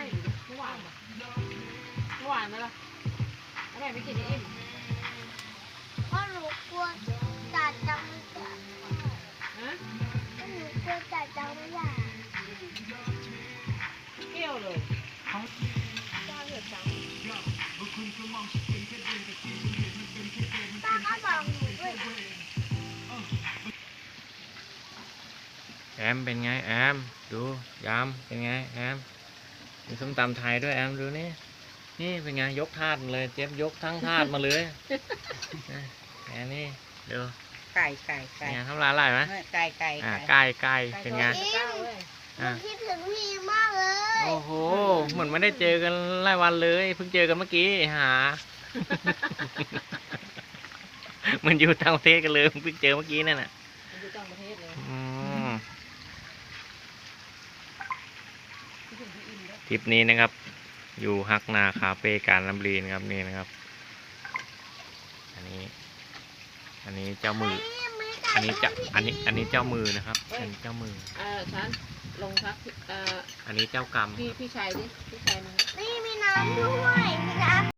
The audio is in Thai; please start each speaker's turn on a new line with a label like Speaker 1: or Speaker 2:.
Speaker 1: อยู่ดิเมื่อวานปะเมื่อวานไหมล่ะแล้วแม่ไม่กินอิ่ม
Speaker 2: เพราะหนูกลัวจ่าจังไม่ได้
Speaker 1: ฮะ
Speaker 2: เพราะหนูกลัวจ่าจังไม่ได้
Speaker 1: เกี่ยวเลยเขาเจ้าเหยียดจัง
Speaker 2: ป้าก็บอกหนูด้วย
Speaker 3: แอมเป็นไงแอมดูยามเป็นไงแอมมีส้มตำไทยด้วยแอมดูนี่นี่เป็นไงยกถาดมาเลยเจ๊บยกทั้งถาดมาเลยแอนนี่ดู
Speaker 4: ไก่
Speaker 3: เป็นไงทำร้านอะไรไหม
Speaker 4: ไก่
Speaker 3: ไก่เป็นไง
Speaker 2: หนูคิดถึงพี่มากเลย
Speaker 3: โอ้โหเหมือนไม่ได้เจอกันหลายวันเลยเพิ่งเจอกันเมื่อกี้หา เหมันอยู่ต่างประเทศกันเลยเพิ่งเจอเมื่อกี้นั่นน่ะ
Speaker 1: มันอยู่ต่างประเทศเลย
Speaker 3: อืม
Speaker 1: คิดถึงพี่อิ่มด้วย
Speaker 3: ทริปนี้นะครับ อยู่ฮักนาคาเฟ่การลำลีนะครับนี่นะครับ อันนี้เจ้ามือ อันนี้เจ้ามือนะครับเป็นเจ้ามือ
Speaker 1: ฉันลงพัก
Speaker 3: อันนี้เจ้ากรรม
Speaker 1: พี่ชายดิพี่ชายมึง
Speaker 2: นี่มีน้ำด้วยมีน้ำ